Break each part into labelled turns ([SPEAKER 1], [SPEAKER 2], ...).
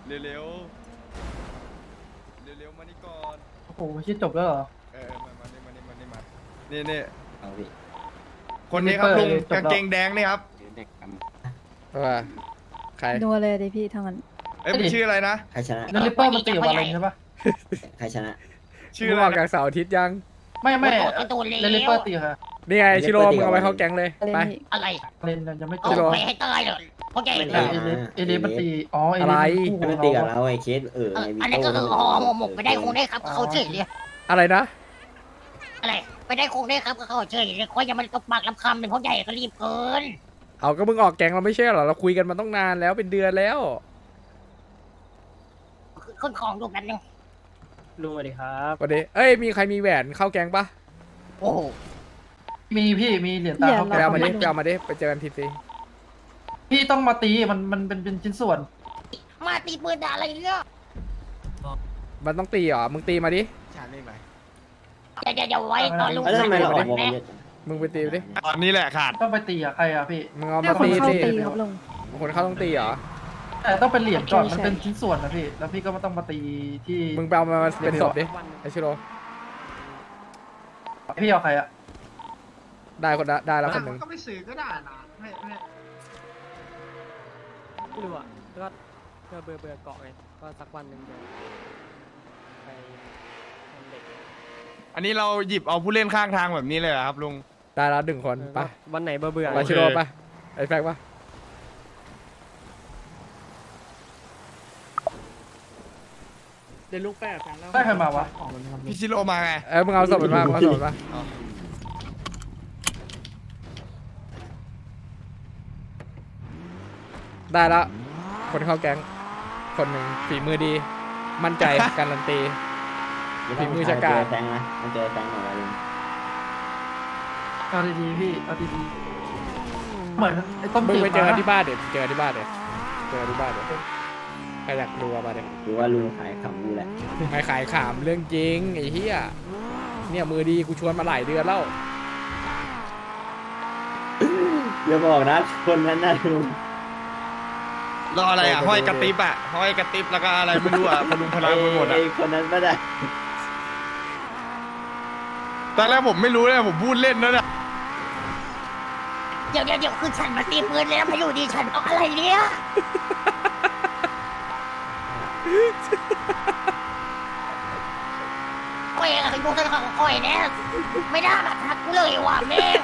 [SPEAKER 1] เร็วเร็วเร็วเร็วมานี่ก่อน
[SPEAKER 2] โอ้โหชื่อจบแล้วเหรอ
[SPEAKER 1] มานี่มานี่
[SPEAKER 3] เอาพี่
[SPEAKER 1] คนนี้ครับลุง
[SPEAKER 2] จบแล้ว
[SPEAKER 1] กางเกงแดงนี่ครับ
[SPEAKER 3] เด็กก
[SPEAKER 4] ว่าใคร
[SPEAKER 5] นัวเลยดิพี่ทั้งนั้น
[SPEAKER 1] เอ้ยมันชื่ออะไรนะ
[SPEAKER 3] ำใครชนะ
[SPEAKER 2] แล้วลิปเปอร์มันตีกับวาเลนใช่ปะ
[SPEAKER 3] ใครชนะ
[SPEAKER 1] ชื่อ
[SPEAKER 4] มึง
[SPEAKER 1] อะไร
[SPEAKER 4] ออก
[SPEAKER 1] นะ
[SPEAKER 4] จากเสาร์อาทิตย์ยัง
[SPEAKER 2] ไม่แล้วลิปเปอร์ตีค่ะ
[SPEAKER 4] นี่ไงชิโร่มึงเอาไปเข้าแก๊งเลย
[SPEAKER 5] อะไร
[SPEAKER 4] ไป
[SPEAKER 5] พี่
[SPEAKER 6] อะไร
[SPEAKER 2] วาเลนยังไม่จ
[SPEAKER 6] เอา
[SPEAKER 2] บ
[SPEAKER 6] ไปให้ตายเลยเพราะแก
[SPEAKER 3] ไม่
[SPEAKER 6] เ
[SPEAKER 3] ได้
[SPEAKER 2] เอเลสมันตีอ๋อเอ
[SPEAKER 4] อะ
[SPEAKER 2] เล
[SPEAKER 4] ไร
[SPEAKER 2] สคู่ข
[SPEAKER 3] ไม่
[SPEAKER 2] อง
[SPEAKER 3] ตีกับ
[SPEAKER 2] เรา
[SPEAKER 3] เราไอ้เคสไอ้วิ
[SPEAKER 6] อัน
[SPEAKER 3] โต้
[SPEAKER 6] นี้ก็คือห่อหมกไปได้คงได้ครับเขาเฉยเลย
[SPEAKER 4] อะไรนะ
[SPEAKER 6] อะไรไปได้คงได้ครับก็เขาเฉยเลยคอยยังมันตบปากลำคำเป็นเพราะใหญ่ก็รีบเกิน
[SPEAKER 4] เอาก็มึงออกแก๊งเราไม่ใช่เหรอเราคุยกันมาต้องนานแล้วเป็นเดือนแล้ว
[SPEAKER 6] ขึ้นของดูแบบนึง
[SPEAKER 2] ลุงสวัสดีครับ
[SPEAKER 4] วันนี้เอ้ยมีใครมีแหวนเข้าแก๊งปะ
[SPEAKER 6] โอ้โห
[SPEAKER 2] มีพี่มีเหรียญตาเขา
[SPEAKER 4] ไปเอามาดิไปเอามาดิไปเจอกันทีซี
[SPEAKER 2] พี่ต้องมาตีมันเป็นชิ้นส่วน
[SPEAKER 6] มาตีปืนด่าอะไรเนี่ย
[SPEAKER 4] มันต้องตีเหรอมึงตีมาดิ
[SPEAKER 6] เดี๋ยวไว้ตอนลุง
[SPEAKER 3] แล้วทำไมเราออกวง
[SPEAKER 6] แม่
[SPEAKER 3] เยอะ
[SPEAKER 4] มึงไปตีไปดิ
[SPEAKER 1] ตอนนี้แหละขาด
[SPEAKER 2] ต้องไปตีกับใครอ่ะพี่
[SPEAKER 4] มึงเอา
[SPEAKER 5] แค่
[SPEAKER 4] มา
[SPEAKER 5] คน
[SPEAKER 4] ตี
[SPEAKER 5] เข้า
[SPEAKER 4] สิ
[SPEAKER 5] ตีครับลุง
[SPEAKER 4] คนเข้าต้องตีเหรอ
[SPEAKER 2] แต่ต้องเป็นเหรียญก่อน
[SPEAKER 5] โอเค
[SPEAKER 2] มันเป็นชิ้นส่วนนะพี่แล้วพี่ก็ไม่ต้องมาตีที่
[SPEAKER 4] มึงไปเอามาเป็นศพดิไอชิโร่
[SPEAKER 2] พี่เอาใครอ่ะ
[SPEAKER 4] ได้คนละได้แล้วคนหนึ่ง
[SPEAKER 7] ก็ไม่ซื้อก็ได้นะไม่
[SPEAKER 8] ไม่รู้อ่ะก็เบื่อเกาะไงก็สักวันหนึ่งเดี๋ยวไปทำเด็ก
[SPEAKER 1] อันนี้เราหยิบเอาผู้เล่นข้างทางแบบนี้เลยเหรอครับลุง
[SPEAKER 4] ได้แล้วหนึ่งคนไป
[SPEAKER 8] วันไหนเบื่อ
[SPEAKER 4] ไปชิโร่ไปไอแฟกปะ
[SPEAKER 8] เดี๋ยวลูกแปะกันแล้ว
[SPEAKER 2] ได้ใครมาวะ
[SPEAKER 1] พี่ชิโร่มาไง
[SPEAKER 4] มึงเอาศพมันมามึงเอาศพมันมา
[SPEAKER 1] อ๋อ
[SPEAKER 4] ได้แล้วคนเข้าแก๊งคนหนึ่งฝีมือดี มั่นใจ การันตี ฝีมือชะกาจ
[SPEAKER 3] แฟงนะมันเจอแฟงหน่อยลุง
[SPEAKER 2] เอาดีๆพี่เอาดีๆเหมือนไอ้ต้ม
[SPEAKER 4] มึง
[SPEAKER 2] จืด
[SPEAKER 4] ไปเจอ
[SPEAKER 2] มา
[SPEAKER 4] ที่บ้านเด็ดเจอที่บ้านเด็ดเจอที่บ้านเด็ดใครอยากดูเอามาเด็ด
[SPEAKER 3] ดูว่าลุงขายขำกูแหละ
[SPEAKER 4] ไม่ขายขามเรื่องจริงไอ้เหี้ยเนี่ยมือดีกูชวนมาหลายเดือนแล้ว
[SPEAKER 3] อย่าบอกนะคนนั้นน่ะลุง
[SPEAKER 1] รออะไรอ่ะห้อยกระติบอ่ะห้อยกระติบแล้วก็อะไรไม่รู้อ่ะพลุงพลังไปหมดอ่ะ
[SPEAKER 3] ไอ้คนนั้นไม่ได้
[SPEAKER 1] ตอนแรกผมไม่รู้เลยผมพูดเล่นนะเนี่ย
[SPEAKER 6] เดี๋ยวคือฉันมาตีปืนแล้วมาอยู่ดีฉันเอาอะไรเนี่ยก้อยอะดูท่านของก้อยเนี่ยไม่ได้มาทักกูเลยว่ะแม่ง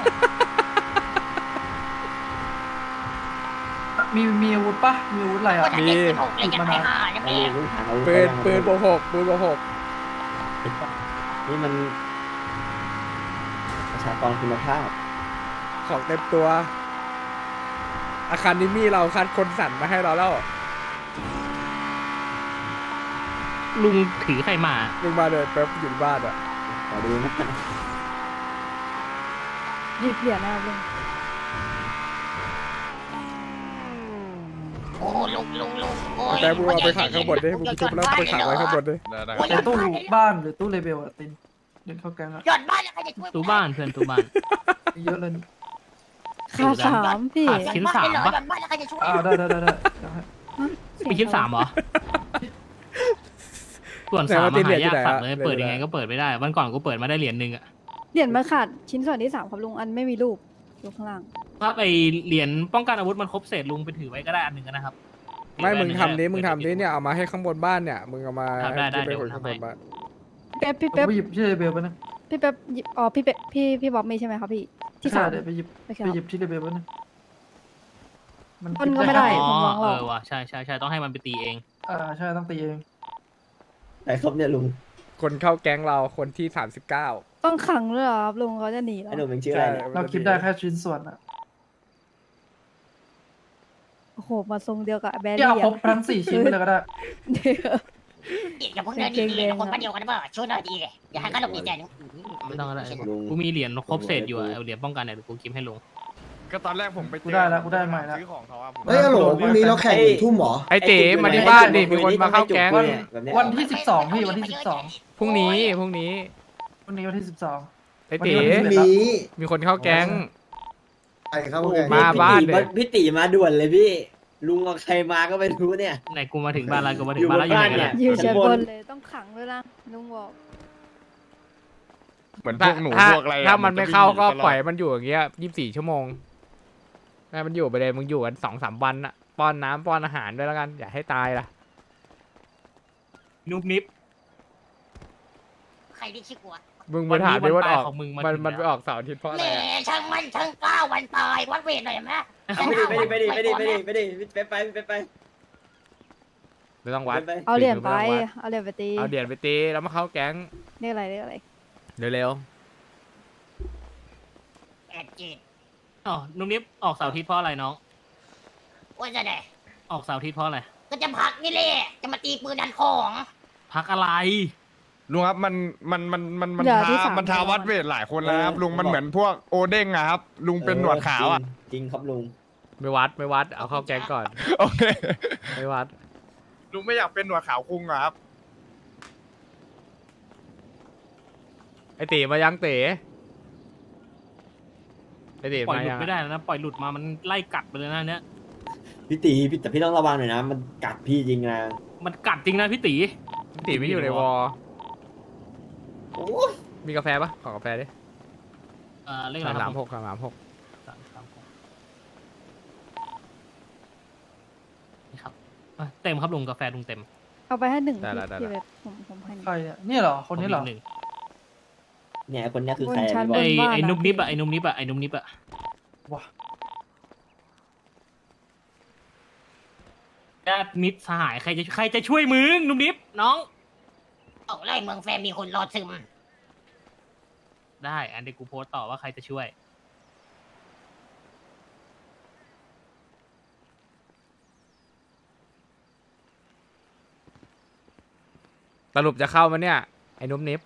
[SPEAKER 2] มีอาวุธปะมีอาวุธอะไร
[SPEAKER 6] ก็
[SPEAKER 2] อ่ะ
[SPEAKER 6] จะเด็กเป็นหกเลยจะไปหาเนี่ย
[SPEAKER 3] ไอ้
[SPEAKER 6] แม่ง
[SPEAKER 3] ลุงถามอาวุธ
[SPEAKER 4] ปืนโบหกปืนโบหก
[SPEAKER 3] นี่มันประชากรคุณภาพ
[SPEAKER 4] ของเต็มตัว อาคารนิมี่เราคัดคนสั่นมาให้เราแล้ว
[SPEAKER 8] ลุงถือใครมา
[SPEAKER 4] มึงมาเลยแป๊บอยู่ที่บ้านอ่ะ
[SPEAKER 3] ขอดูนะ
[SPEAKER 5] หยิบเหรียญนะครับลุง
[SPEAKER 6] โอ้ลุงโอ้ย
[SPEAKER 4] แต่มึงเอาไปขังข้างบนดิมึงชุบแล้วไปขังไว้ข้างบนดิ
[SPEAKER 1] ได้
[SPEAKER 2] ในตู้บ้านหรือตู้เลเบลอะตินเดินเข้าแก๊งอะ
[SPEAKER 6] ยอดบ้านแล้วใครจะช่วย
[SPEAKER 8] ตู้บ้านเพื่อนตู้บ้าน
[SPEAKER 2] เยอะเลย
[SPEAKER 5] ค่าสามพี่
[SPEAKER 8] ชิ้นสามปะ
[SPEAKER 6] ยอดบ้านแล้วใครจะช่วย
[SPEAKER 2] ได้เดี๋ยวให้
[SPEAKER 8] มีชิ้นสามเหรอ ส่วนสามมาหายากสัตว์เลยเปิดยังไงก็เปิดไม่ได้ วันก่อนกูเปิดมาได้เหรียญหนึ่งอะ
[SPEAKER 5] เหรียญมาขาดชิ้นส่วนที่สามครับลุงอันไม่มีรูปอยู่ข้างล่าง
[SPEAKER 8] ถ้าไปเหรียญป้องกันอาวุธมันครบเศษลุงไปถือไว้ก็ได้อันหนึ่งนะครับ
[SPEAKER 4] ไม่มึงทำดิมึงทำดิเนี่ยเอามาให้ข้างบนบ้านเนี่ยมึงเอามา
[SPEAKER 8] ได้
[SPEAKER 4] ไป
[SPEAKER 8] เดี๋ยว
[SPEAKER 4] คนข้างบนบ้าน
[SPEAKER 5] พี่
[SPEAKER 2] ผม
[SPEAKER 5] เป๊ป
[SPEAKER 2] ไปหยิบที่เลเบลไปนะ
[SPEAKER 5] พี่เป๊ปหยิบอ๋อพี่เป๊ปพี่บ๊อบมีใช่ไหมครับพี่ที่สาม
[SPEAKER 2] เดี๋ยวไปหยิบ
[SPEAKER 5] โอเค
[SPEAKER 2] ไป
[SPEAKER 5] ค
[SPEAKER 2] หยิ
[SPEAKER 5] รับบ
[SPEAKER 2] ที่เลเบลไปนะมัน
[SPEAKER 5] คนก็ไม่ได้
[SPEAKER 8] อ๋อ
[SPEAKER 5] ผมวางหรอก
[SPEAKER 8] ว่ะใช่ต้องให้มันไปตีเอง
[SPEAKER 2] ใช่ต้องตีเอง
[SPEAKER 3] ไอ้ครบเนี่ยลุง
[SPEAKER 4] คนเข้าแก๊งเราคนที่39
[SPEAKER 5] ต้องขังด้วยเหรอครับลุงเขาจะหนีแล้
[SPEAKER 3] ไอ้
[SPEAKER 5] ว
[SPEAKER 3] หนุ่มเป็นชื่ออะไรเนี่ย
[SPEAKER 2] เราคิดได้แค่ชิ้นส่วนอะ
[SPEAKER 5] โอ้โหมาทรงเดียวกับแบ
[SPEAKER 2] ที่
[SPEAKER 5] รี่
[SPEAKER 2] เอาครบ
[SPEAKER 5] อะ
[SPEAKER 2] ทั้ง4 ชิ้นไปเลยก็ได้
[SPEAKER 5] เดี๋ยว
[SPEAKER 6] อย่าเพิ่งเดินดีๆคนบ้านเดียวกันนะเปล่าช่วยหน่อยดีเลยอย่าให้เขาหลบหนีใจนึง
[SPEAKER 8] ไม่ต้องก็ได้
[SPEAKER 3] ลุง
[SPEAKER 8] กูมีเหรียญครบเศษอยู่อะเอาเหรียญป้องกันเนี่ยเดี๋ยวกูกิมให้ลุง
[SPEAKER 1] ก็ตอนแรกผมไปเจ
[SPEAKER 2] กูได้แล้วกูได้ใหม่แล้ว
[SPEAKER 1] ซื้อของเขาอ่ะผม
[SPEAKER 7] เฮ้ยฮัลโหลพรุ่งนี้เราแข่งกี่ทุ่มหรอ
[SPEAKER 4] ไอเต๋มาที่บ้านดิมีคนมาเข้าแก๊ง
[SPEAKER 3] แบบเนี้ย
[SPEAKER 2] วันที่ 12พี่วันที่
[SPEAKER 4] พรุ่งนี้
[SPEAKER 2] วันนี้วันที่
[SPEAKER 4] ไอเต๋
[SPEAKER 7] พรุ่งนี้
[SPEAKER 4] มีคนเข้าแก๊ง
[SPEAKER 7] ใครครับ
[SPEAKER 3] โอ้โห
[SPEAKER 7] แข่ง
[SPEAKER 4] มาบ้านเด็ก
[SPEAKER 3] พี่ตีมาด่วนเลยพี่ลุงเอาใครมาก็ไม่รู้เนี่ย
[SPEAKER 9] ไหนกูมาถึงบ้านแล้วกูมาถึ
[SPEAKER 3] อง ยู่
[SPEAKER 9] บ้านแล้วอยู่ไหน
[SPEAKER 3] บนบ้าน
[SPEAKER 9] กัน
[SPEAKER 3] เนี่
[SPEAKER 9] เนี่ย ย
[SPEAKER 5] อยู่ชั้น
[SPEAKER 3] ชั้น
[SPEAKER 5] บบ น
[SPEAKER 3] น
[SPEAKER 5] เลยต้องขังด้วยนะลุงบอก
[SPEAKER 1] เหมือนพวกหนู
[SPEAKER 4] ถ้า
[SPEAKER 1] พวกอะไรอะ
[SPEAKER 4] ถ้ามันไม่เข้าก็
[SPEAKER 1] จะวิ่งหนีตลอด
[SPEAKER 4] ปล่อยมันอยู่อย่างเงี้ย24 ชั่วโมงให้มันอยู่ไปเลยมึงอยู่กัน2-3 วันอะป้อนน้ำป้อนอาหารด้วยแล้วกันอย่าให้ตายล่ะ
[SPEAKER 9] นุบนิบ
[SPEAKER 6] ใครที่ชื่อกลัว
[SPEAKER 4] มึงไปถามดิว่าออก
[SPEAKER 9] ของมึงมา
[SPEAKER 4] มัน
[SPEAKER 9] ถึง
[SPEAKER 4] มันไป
[SPEAKER 9] แล้ว
[SPEAKER 4] ออกเสาร์อาทิตย์เพราะอะ
[SPEAKER 6] แห
[SPEAKER 4] ไร
[SPEAKER 6] ม
[SPEAKER 4] อะ
[SPEAKER 6] ช่างมันช่างกล้าวันตายวัดเวทหน่อยไหม
[SPEAKER 3] ไม่ดีไป
[SPEAKER 4] ไม่ต้องวัด
[SPEAKER 3] ไป
[SPEAKER 5] เอาเหรียญไป
[SPEAKER 4] ไม่ต้องวัด
[SPEAKER 5] เอาเหรียญไปตี
[SPEAKER 4] เอาเหรียญไปตีแล้วมาเข้าแก๊ง
[SPEAKER 5] เรียกอะไรเรียกอะไร
[SPEAKER 4] เร็ว
[SPEAKER 6] แอดจีด
[SPEAKER 9] อ๋อนุบนิบออกเสาร์อาทิตย์เพราะอะไรน้อง
[SPEAKER 6] ว่าจะได้
[SPEAKER 9] ออกเสาร์อาทิตย์เพราะอะไร
[SPEAKER 6] ก็จะพักนี่แหละจะมาตีปืนดันของ
[SPEAKER 9] พักอะไร
[SPEAKER 1] ลุงครับมัน
[SPEAKER 5] เหลือที่
[SPEAKER 1] ท้า
[SPEAKER 5] สาม
[SPEAKER 1] มันท้าวัดเวทหลายคนแล้วครับลุงมันเหมือนพวกโอเด้งอะครับ ลุงเป็นหนวดขาวอะ
[SPEAKER 3] จริงครับลุง
[SPEAKER 4] ๆไม่วัดเอาเข้าแก๊งก่อน
[SPEAKER 1] โอเค
[SPEAKER 4] ไม่วัด
[SPEAKER 1] ลุงไม่อยากเป็นหนวดขาวคุงอะครับ
[SPEAKER 4] ไอตีมายังตีไอตี
[SPEAKER 9] ปล่อย
[SPEAKER 4] มา
[SPEAKER 9] หลุ
[SPEAKER 4] ยั
[SPEAKER 9] ด
[SPEAKER 4] ง
[SPEAKER 9] ไม่ได้แล้วนะปล่อยหลุดมามันไล่กัดไปเลยนะเนี่ย
[SPEAKER 3] พี่ตีพี่แต่พี่ต้องระวังหน่อยนะ มันกัดพี่จริงนะ
[SPEAKER 9] มันกัดจริงนะพี่ตี
[SPEAKER 4] ตีไม่อยู่ในวอล
[SPEAKER 3] โอ้ย
[SPEAKER 4] มีกาแฟปะขอกาแฟดิ
[SPEAKER 9] เลขอะไรครับ
[SPEAKER 4] 336
[SPEAKER 9] นี่ครับเต็มครับลุงกาแฟลุงเต็ม
[SPEAKER 5] เอาไปให้หนึ่ง
[SPEAKER 4] ได้ละ
[SPEAKER 5] พี่เว็บผมให้หนึ่ง
[SPEAKER 2] ใครเนี่ยเนี่ยเหรอคนนี้เหรอ
[SPEAKER 9] ผมกหนึ่ง
[SPEAKER 3] เนี่ยคนเนี้ยคือใคร
[SPEAKER 5] บนชั้น
[SPEAKER 3] พี่บอก
[SPEAKER 9] ไอ้
[SPEAKER 5] บ้านอะ
[SPEAKER 9] นุบนิบอะไอ้นุบนิบอะไอ้นุบนิบอะ
[SPEAKER 2] ว้า
[SPEAKER 9] ญาติมิตรสหายใครจะช่วยมึงนุบนิบน้อง
[SPEAKER 6] ออกไล่เมืองแฟนมีคนรอซึม
[SPEAKER 9] ได้อันเดี๋ยวกูโพสต์ต่อว่าใครจะช่วย
[SPEAKER 4] สรุปจะเข้ามาเนี่ยไอ้นุ่มนิบ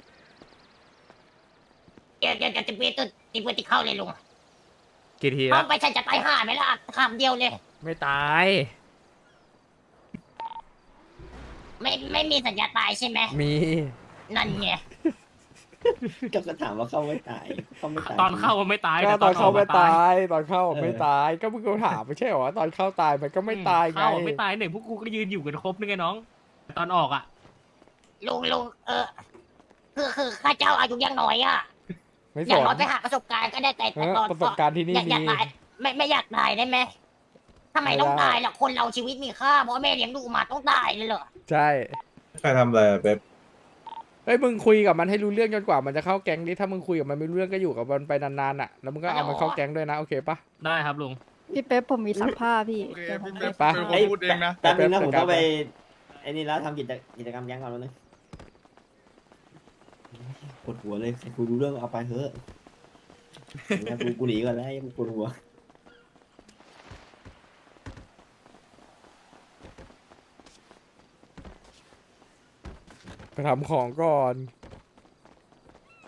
[SPEAKER 6] เดี๋ยวจะตีปืนตีเข้าเลยลุง
[SPEAKER 4] กี่ที
[SPEAKER 6] เอา
[SPEAKER 4] แล้ว
[SPEAKER 6] ไปฉันจะตายห่าไหมล่ะคำเดียวเลย
[SPEAKER 4] ไม่ตาย
[SPEAKER 6] ไม่มีสัญญาตายใช่ไหม
[SPEAKER 4] มี
[SPEAKER 6] นั่นไง
[SPEAKER 3] ก็ถามว่าเข้าไม่ตายเข้าไม่ตาย
[SPEAKER 9] ตอนเข้ามันไม่ตาย
[SPEAKER 4] ก็
[SPEAKER 9] แต่
[SPEAKER 4] ตอนเข้า
[SPEAKER 9] อ
[SPEAKER 4] ไม่
[SPEAKER 9] ก
[SPEAKER 4] ตายตอนเข้าไม่ตายก็มึงก็ถามไม่ใช่เหรอว่าตอนเข้าตายมันก็ไม่ตายไง
[SPEAKER 9] เข้าไม่ตายหนึ่งพวกกูก็ยืนอยู่กันครบนึงไงน้องตอนออกอ่ะ
[SPEAKER 6] ลุงคือข้าเจ้าอายุยังน้อยอ่ะ
[SPEAKER 4] ไม่
[SPEAKER 6] อ
[SPEAKER 4] ส
[SPEAKER 6] ย่าง
[SPEAKER 4] น
[SPEAKER 6] น้อยไปหาประสบการณ์ก็ได้แต่
[SPEAKER 4] เออ
[SPEAKER 6] ตอน
[SPEAKER 4] ประสบการณ์ที่นี่
[SPEAKER 6] อยาก
[SPEAKER 4] มี
[SPEAKER 6] ตายไม่อยากตายได้ไหมทำไมต้อง
[SPEAKER 4] ไม่ได้
[SPEAKER 6] ตายล่ะคนเราชีวิตมีค่าเพราะแม่เลี้ยงดูมาต้องตายเลยเหรอ
[SPEAKER 4] ใช่
[SPEAKER 10] ใครทำอะไรอะเป๊ป
[SPEAKER 4] เฮ้ยมึงคุยกับมันให้รู้เรื่องจนกว่ามันจะเข้าแก๊งดิถ้ามึงคุยกับมันไม่รู้เรื่องก็อยู่กับมันไปนานๆอ่ะแล้วมึงก็เอามันเข้าแก๊งด้วยนะโอเคปะ
[SPEAKER 9] ได้ครับลุง
[SPEAKER 5] พี่เป๊ปผมมีซักผ้าพี่
[SPEAKER 1] โอเค
[SPEAKER 5] เดี๋ยวผม
[SPEAKER 1] พี่
[SPEAKER 5] ไป
[SPEAKER 1] เป๊ป
[SPEAKER 4] ไป
[SPEAKER 1] เป็นคนพูดเองนะ
[SPEAKER 3] แป๊บนึงนะผมต้องไปไอ้นี่แล้วทำกิจกรรมแก๊งก่อนแล้วนึงปวดหัวเลยใครกูรู้เรื่องเอาไปเถอะกูหนีก่อนแล้วปวดหัว
[SPEAKER 4] ไปทำของก่อน